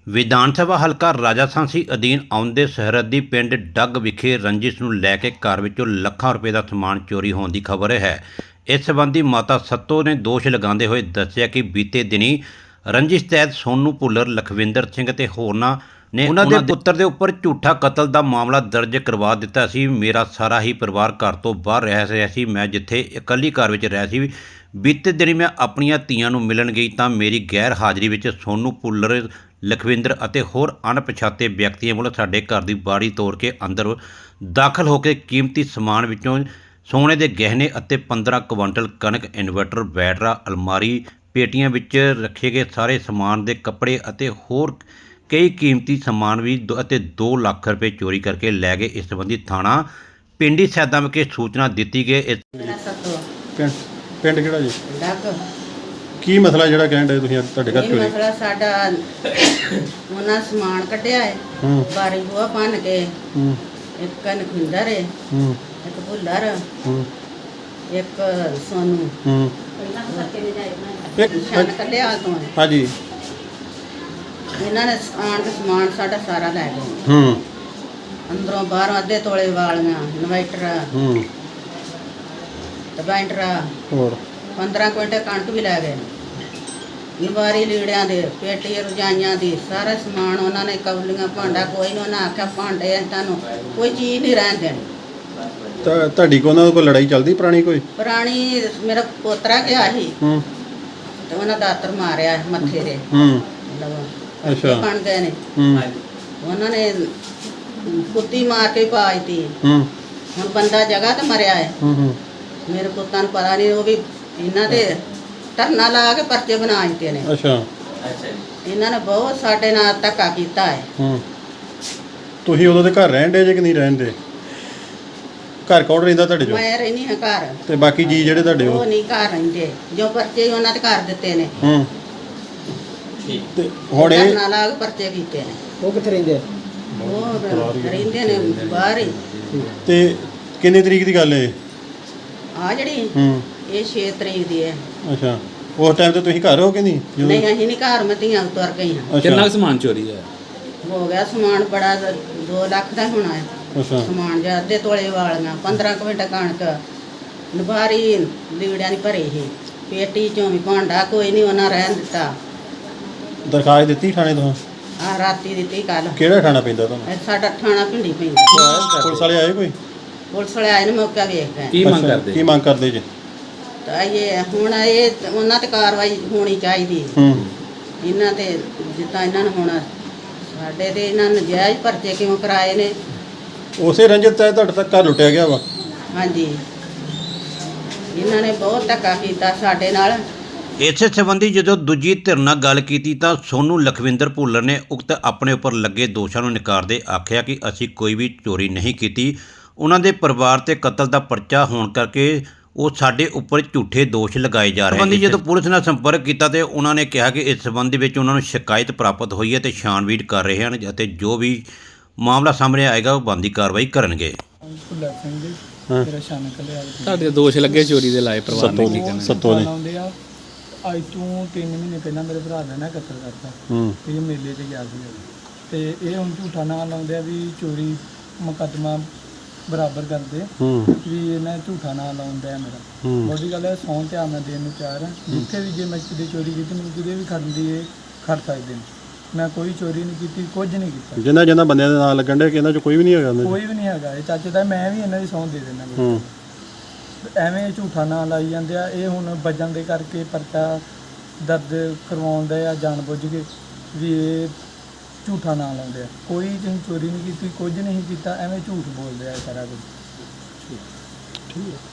ਵਿਧਾਨ ਸਭਾ ਹਲਕਾ ਰਾਜਾਸਾਂਸੀ ਅਧੀਨ ਆਉਂਦੇ ਸਰਹੱਦੀ ਪਿੰਡ ਡੱਗ ਵਿਖੇ ਰੰਜਿਸ਼ ਨੂੰ ਲੈ ਕੇ ਘਰ ਵਿੱਚੋਂ ਲੱਖਾਂ ਰੁਪਏ ਦਾ ਸਮਾਨ ਚੋਰੀ ਹੋਣ ਦੀ ਖਬਰ ਹੈ। ਇਸ ਸੰਬੰਧੀ ਮਾਤਾ ਸੱਤੋ ਨੇ ਦੋਸ਼ ਲਗਾਉਂਦੇ ਹੋਏ ਦੱਸਿਆ ਕਿ ਬੀਤੇ ਦਿਨੀ ਰੰਜਿਸ਼ ਤਹਿਤ ਸੋਨੂ ਭੁੱਲਰ, ਲਖਵਿੰਦਰ ਸਿੰਘ ਤੇ ਹੋਰਨਾਂ ਨੇ ਉਹਨਾਂ ਦੇ ਪੁੱਤਰ ਦੇ ਉੱਪਰ ਝੂਠਾ ਕਤਲ ਦਾ ਮਾਮਲਾ ਦਰਜ ਕਰਵਾ ਦਿੱਤਾ ਸੀ। ਮੇਰਾ ਸਾਰਾ ਹੀ ਪਰਿਵਾਰ ਘਰ ਤੋਂ ਬਾਹਰ ਰਹਿ ਰਿਹਾ ਸੀ। ਮੈਂ ਜਿੱਥੇ ਇਕੱਲੀ ਘਰ ਵਿੱਚ ਰਹਿ ਸੀ। ਬੀਤੇ ਦਿਨੀ ਮੈਂ ਆਪਣੀਆਂ ਧੀਆਂ ਨੂੰ ਮਿਲਣ ਗਈ ਤਾਂ ਮੇਰੀ ਗੈਰ ਹਾਜ਼ਰੀ ਵਿੱਚ ਸੋਨੂ ਭੁੱਲਰ, ਲਖਵਿੰਦਰ ਅਤੇ ਹੋਰ ਅਣਪਛਾਤੇ ਵਿਅਕਤੀਆਂ ਵੱਲੋਂ ਸਾਡੇ ਘਰ ਦੀ ਬਾੜੀ ਤੋੜ ਕੇ ਅੰਦਰ ਦਾਖਲ ਹੋ ਕੇ ਕੀਮਤੀ ਸਮਾਨ ਵਿੱਚੋਂ ਸੋਨੇ ਦੇ ਗਹਿਣੇ ਅਤੇ 15 ਕੁਇੰਟਲ ਕਣਕ, ਇਨਵਰਟਰ, ਬੈਟਰਾ, ਅਲਮਾਰੀ, ਪੇਟੀਆਂ ਵਿੱਚ ਰੱਖੇ ਗਏ ਸਾਰੇ ਸਮਾਨ ਦੇ ਕੱਪੜੇ ਅਤੇ ਹੋਰ ਕਈ ਕੀਮਤੀ ਸਮਾਨ ਵੀ ਅਤੇ 2 ਲੱਖ ਰੁਪਏ ਚੋਰੀ ਕਰਕੇ ਲੈ ਗਏ। ਇਸ ਸੰਬੰਧੀ ਥਾਣਾ ਪਿੰਡੀ ਸੈਦਾ ਵਿਖੇ ਸੂਚਨਾ ਦਿੱਤੀ ਗਈ। ਪਿੰਡ ਕਿਹੜਾ ਜੀ? ਡੱਗ। ਕੀ ਮਸਲਾ ਜਿਹੜਾ ਕਹਿਣ ਦੇ ਤੁਸੀਂ ਤੁਹਾਡੇ ਘਰ ਚੋਰੀ? ਮਸਲਾ ਸਾਡਾ ਉਹਨਾਂ ਸਮਾਨ ਕੱਢਿਆ ਹੈ, ਬਾਰੀ ਬੂਹਾ ਭੰਨ ਕੇ, ਇੱਕ ਲਖਵਿੰਦਰ ਹੈ, ਇੱਕ ਭੁੱਲਰ, ਇੱਕ ਸੋਨੂ, ਛੱਡ ਕੱਢਿਆ ਤੋਂ ਹੈ। ਹਾਂਜੀ। ਇਹਨਾਂ ਨੇ ਆਣ ਕੇ ਸਮਾਨ ਸਾਡਾ ਸਾਰਾ ਲੈ ਗਏ। ਅੰਦਰੋਂ ਬਾਹਰੋਂ ਅੱਧੇ ਤੋਲੇ ਵਾਲੀਆਂ, ਇਨਵਰਟਰ, ਬੈਂਟਰਾ, ਹੋਰ 15 ਕੁਇੰਟਲ ਕਣਕ ਵੀ ਲੈ ਗਏ। ਲਵਾਰੀ ਲੀੜਿਆਂ ਦੇ, ਪੇਟੀ ਰਜਾਈਆਂ ਦੀ, ਸਾਰਾ ਸਮਾਨ ਉਹਨਾਂ ਨੇ, ਕੌਲੀਆਂ, ਭਾਂਡਾ, ਕੋਈ ਨਹੀਂ। ਉਹਨਾਂ ਆਖਿਆ ਭਾਂਡੇ ਤੁਹਾਨੂੰ ਕੋਈ ਚੀਜ਼ ਨਹੀਂ ਰਹਿਣ ਦੇਣੀ। ਤਾਂ ਤੁਹਾਡੀ ਕੋ ਉਹਨਾਂ ਕੋਈ ਲੜਾਈ ਚੱਲਦੀ ਪੁਰਾਣੀ ਕੋਈ? ਪੁਰਾਣੀ ਮੇਰਾ ਪੋਤਰਾ ਗਿਆ ਸੀ ਤੇ ਉਹਨਾਂ ਦਾਤਰ ਮਾਰਿਆ ਮੱਥੇ ਦੇ। ਅੱਛਾ, ਬਣ ਗਏ ਨੇ। ਉਹਨਾਂ ਨੇ ਕੁੱਤੀ ਮਾਰ ਕੇ ਪਾਈਤੀ। ਹੁਣ ਬੰਦਾ ਜਗ੍ਹਾ ਤੇ ਮਰਿਆ ਹੈ। ਮੇਰੇ ਪੁੱਤਾਂ ਨੂੰ ਪਤਾ ਨਹੀਂ, ਉਹ ਵੀ ਇਹਨਾਂ ਦੇ ਧਰਨਾ ਲਾ ਕੇ ਪਰਚੇ ਬਣਾ ਦਿੱਤੇ ਨੇ। ਅੱਛਾ। ਇਹਨਾਂ ਨੇ ਬਹੁਤ ਸਾਡੇ ਨਾਲ ਧੱਕਾ ਕੀਤਾ ਹੈ। ਤੁਸੀਂ ਉਦੋਂ ਦੇ ਘਰ ਰਹਿੰਦੇ ਜੇ ਕਿ ਨਹੀਂ ਰਹਿੰਦੇ? ਘਰ ਕੌਣ ਰਹਿੰਦਾ ਤੁਹਾਡੇ ਚੋਂ? ਮੈਂ ਰਹਿਣੀ ਹਾਂ ਘਰ, ਤੇ ਬਾਕੀ ਜੀ ਜਿਹੜੇ ਤੁਹਾਡੇ ਉਹ ਨਹੀਂ ਘਰ ਰਹਿੰਦੇ। ਜੋ ਪਰਚੇ ਉਹਨਾਂ ਤੇ ਕਰ ਦਿੱਤੇ ਨੇ। ਤੇ ਹੁਣ ਇਹ ਧਰਨਾ ਲਾ ਕੇ ਪਰਚੇ ਕੀਤੇ ਨੇ। ਉਹ ਕਿੱਥੇ ਰਹਿੰਦੇ? ਉਹ ਰਹਿੰਦੇ ਨੇ ਬਾਹਰ ਹੀ। ਤੇ ਕਿੰਨੇ ਤਰੀਕ ਦੀ ਗੱਲ ਹੈ? ਆ ਜਿਹੜੀ ਇਹ 6 ਤਰੀਕ ਦੀ ਹੈ। ਅੱਛਾ। ਉਸ ਟਾਈਮ ਤੇ ਤੁਸੀਂ ਘਰ ਹੋ ਕਿ ਨਹੀਂ? ਨਹੀਂ, ਅਸੀਂ ਨਹੀਂ ਘਰ, ਮੈਂ ਧੀਆਂ ਤੁਰ ਗਈ ਹਾਂ। ਕਿੰਨਾ ਸਮਾਨ ਚੋਰੀ ਹੈ? ਹੋ ਗਿਆ ਸਮਾਨ ਬੜਾ, 2 ਲੱਖ ਦਾ ਹੋਣਾ ਹੈ ਅੱਛਾ। ਸਮਾਨ। ਜਾਂ ਅੱਧੇ ਤੋਲੇ ਵਾਲੀਆਂ, 15 ਕੁਇੰਟਲ ਕਣਕ, ਲਵਾਰੀ ਲੀੜਿਆਂ ਦੀ ਭਰੀ ਸੀ, ਪੇਟੀ ਚੋਂ ਵੀ ਭਾਂਡਾ ਕੋਈ ਨਹੀਂ ਉਹਨਾਂ ਰਹਿਣ ਦਿੱਤਾ। ਦਰਖਾਸਤ ਦਿੱਤੀ ਥਾਣੇ ਤੋਂ? ਆ ਰਾਤੀ ਦਿੱਤੀ ਕੱਲ। ਕਿਹੜਾ ਥਾਣਾ ਪੈਂਦਾ ਤੁਹਾਨੂੰ? ਸਾਡਾ ਥਾਣਾ ਪਿੰਡੀ ਪੈਂਦਾ। ਪੁਲਿਸ ਵਾਲੇ ਆਏ ਕੋਈ? ਪੁਲਿਸ ਵਾਲੇ ਆਏ ਨੇ, ਮੌਕਾ ਵੇਖ ਗਏ। ਕੀ ਮੰਗ ਕਰਦੇ? ਕੀ ਮੰਗ ਕਰਦੇ ਜੀ? ਤਾਂ ਇਹ ਹੁਣ ਇਹ ਉਹਨਾਂ ਤੇ ਕਾਰਵਾਈ ਹੋਣੀ ਚਾਹੀਦੀ। ਇਹਨਾਂ ਤੇ ਜਿੱਦਾਂ ਇਹਨਾਂ ਨੂੰ ਹੁਣ ਸਾਡੇ ਤੇ ਇਹਨਾਂ ਨੇ ਨਜਾਇਜ਼ ਪਰਚੇ ਕਿਉਂ ਕਰਾਏ ਨੇ? ਉਸੇ ਰੰਜਿਤ ਹੈ ਤੁਹਾਡੇ ਤੱਕ ਘਰ ਲੁੱਟਿਆ ਗਿਆ ਵਾ? ਹਾਂਜੀ, ਇਹਨਾਂ ਨੇ ਬਹੁਤ ਧੱਕਾ ਕੀਤਾ ਸਾਡੇ ਨਾਲ। ਇਸੇ ਸੰਬੰਧੀ ਜਦੋਂ ਦੂਜੀ ਧਿਰ ਨਾਲ ਗੱਲ ਕੀਤੀ ਤਾਂ ਸੋਨੂ, ਲਖਵਿੰਦਰ ਭੁੱਲਰ ਨੇ ਉਕਤ ਆਪਣੇ ਉੱਪਰ ਲੱਗੇ ਦੋਸ਼ਾਂ ਨੂੰ ਨਕਾਰਦੇ ਆਖਿਆ ਕਿ ਅਸੀਂ ਕੋਈ ਵੀ ਚੋਰੀ ਨਹੀਂ ਕੀਤੀ। ਉਹਨਾਂ ਦੇ ਪਰਿਵਾਰ ਤੇ ਕਤਲ ਦਾ ਪਰਚਾ ਹੋਣ ਕਰਕੇ ਉਹ ਸਾਡੇ ਉੱਪਰ ਝੂਠੇ ਦੋਸ਼ ਲਗਾਏ ਜਾ ਰਹੇ ਹਨ। ਜਦੋਂ ਪੁਲਿਸ ਨਾਲ ਸੰਪਰਕ ਕੀਤਾ ਤੇ ਉਹਨਾਂ ਨੇ ਕਿਹਾ ਕਿ ਇਸ ਸੰਬੰਧ ਵਿੱਚ ਉਹਨਾਂ ਨੂੰ ਸ਼ਿਕਾਇਤ ਪ੍ਰਾਪਤ ਹੋਈ ਹੈ ਤੇ ਛਾਣਬੀਣ ਕਰ ਰਹੇ ਹਨ ਅਤੇ ਜੋ ਵੀ ਮਾਮਲਾ ਸਾਹਮਣੇ ਆਏਗਾ ਉਹ ਬਣਦੀ ਕਾਰਵਾਈ ਕਰਨਗੇ। ਭੁੱਲਰ ਸਿੰਘ ਜੀ, ਮੇਰਾ ਸ਼ਾਨ ਕੱਲਿਆ। ਤੁਹਾਡੇ ਦੋਸ਼ ਲੱਗੇ ਚੋਰੀ ਦੇ ਲਾਏ ਪਰਿਵਾਰ ਨੇ ਕੀ ਕਹਿਣਾ? ਸੱਤੋ ਨੇ ਲਾਉਂਦੇ ਆ। ਅੱਜ ਤੋਂ 3 ਮਹੀਨੇ ਪਹਿਲਾਂ ਮੇਰੇ ਭਰਾ ਨੇ ਨਾ ਕਤਲ ਕਰਤਾ। ਇਹ ਮੇਲੇ 'ਚ ਗਿਆ ਸੀ ਤੇ ਇਹ ਹੁਣ ਝੂਠਾ ਨਾਂ ਲਾਉਂਦੇ ਆ ਵੀ ਚੋਰੀ ਮੁਕੱਦਮਾ ਬਰਾਬਰ ਕਰਦੇ ਵੀ ਇਹਨਾਂ ਝੂਠਾ ਨਾਂ ਲਾਉਂਦਾ ਮੇਰਾ। ਬਹੁਤੀ ਗੱਲ ਹੈ, ਸੌਂ ਧਿਆਨ ਨਾਲ ਦੇਣ ਨੂੰ ਤਿਆਰ ਹਾਂ। ਜਿੱਥੇ ਵੀ ਜੇ ਮੈਂ ਕਿਤੇ ਚੋਰੀ ਕੀਤੀ, ਮੈਨੂੰ ਕਿਤੇ ਵੀ ਖੜਨ ਦੀ ਇਹ ਖੜ ਸਕਦੇ ਨੇ। ਮੈਂ ਕੋਈ ਚੋਰੀ ਨਹੀਂ ਕੀਤੀ, ਕੁਝ ਨਹੀਂ ਕੀਤਾ। ਜਿਨ੍ਹਾਂ ਬੰਦਿਆਂ ਦੇ ਨਾਂ ਲੱਗਣ ਡੇ ਕਿ ਇਹਨਾਂ 'ਚ ਕੋਈ ਵੀ ਨਹੀਂ ਹੈਗਾ? ਕੋਈ ਵੀ ਨਹੀਂ ਹੈਗਾ। ਇਹ ਚਾਚੇ ਦਾ ਮੈਂ ਵੀ ਇਹਨਾਂ ਦੀ ਸਹੁੰ ਦੇ ਦਿੰਦਾ। ਐਵੇਂ ਝੂਠਾ ਨਾਂ ਲਾਈ ਜਾਂਦੇ ਆ। ਇਹ ਹੁਣ ਵਜਨ ਦੇ ਕਰਕੇ ਪਰਚਾ ਦਰਜ ਕਰਵਾਉਂਦੇ ਆ ਜਾਣ ਬੁੱਝ ਕੇ ਵੀ ਇਹ ਝੂਠਾ ਨਾਂ ਲਾਉਂਦੇ ਆ। ਕੋਈ ਤੁਸੀਂ ਚੋਰੀ ਨਹੀਂ ਕੀਤੀ, ਕੁਝ ਨਹੀਂ ਕੀਤਾ, ਐਵੇਂ ਝੂਠ ਬੋਲਦੇ ਆ ਸਾਰਾ ਕੁਝ। ਠੀਕ ਹੈ।